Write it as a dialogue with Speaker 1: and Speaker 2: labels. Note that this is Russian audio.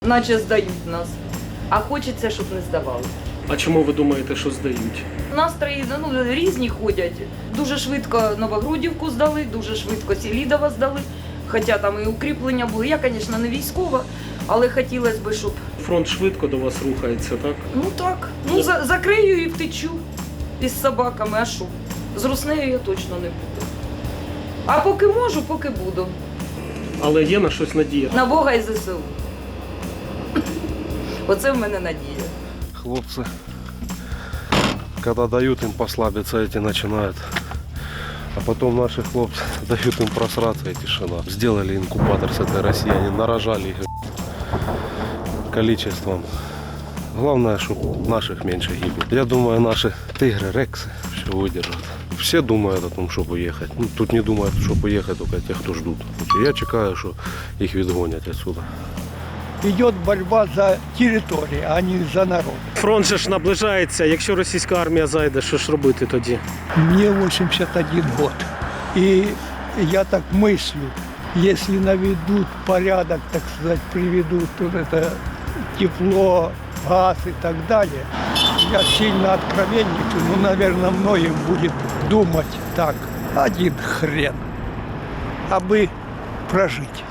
Speaker 1: Наче здають нас, а хочеться, щоб не здавали.
Speaker 2: А чому ви думаєте, що здають?
Speaker 1: Настрої різні ходять. Дуже швидко Новогрудівку здали, дуже швидко Селідова здали. Хоча там і укріплення були. Я, звісно, не військова, але хотілося б, щоб...
Speaker 2: Фронт швидко до вас рухається, так?
Speaker 1: Ну так, закрию і втечу із собаками, а що? З руснею я точно не буду. А поки можу, поки буду.
Speaker 2: Але є на щось надія.
Speaker 1: На Бога і ЗСУ. Оце в мене надія.
Speaker 3: Хлопцы, когда дают им послабиться, эти начинают. А потом наши хлопцы дают им просраться, и тишина. Сделали инкубатор с этой России, они нарожали их количеством. Главное, чтобы наших меньше гибело. Я думаю, наши тигры, рексы все выдержат. Все думают о том, чтобы уехать. Ну, тут не думают, чтобы уехать только те, кто ждут. Я чекаю, что их відгонять отсюда.
Speaker 4: Идет борьба за территорию, а не за народ.
Speaker 2: Фронт же ж наближається. Якщо російська армія зайде, що ж робити тоді?
Speaker 4: Мне 81 год. И я так мыслю, если наведут порядок, так сказать, приведут вот это тепло, газ и так далее, я сильно откровенничаю, но, наверное, многим будет думать так, один хрен, а бы прожить.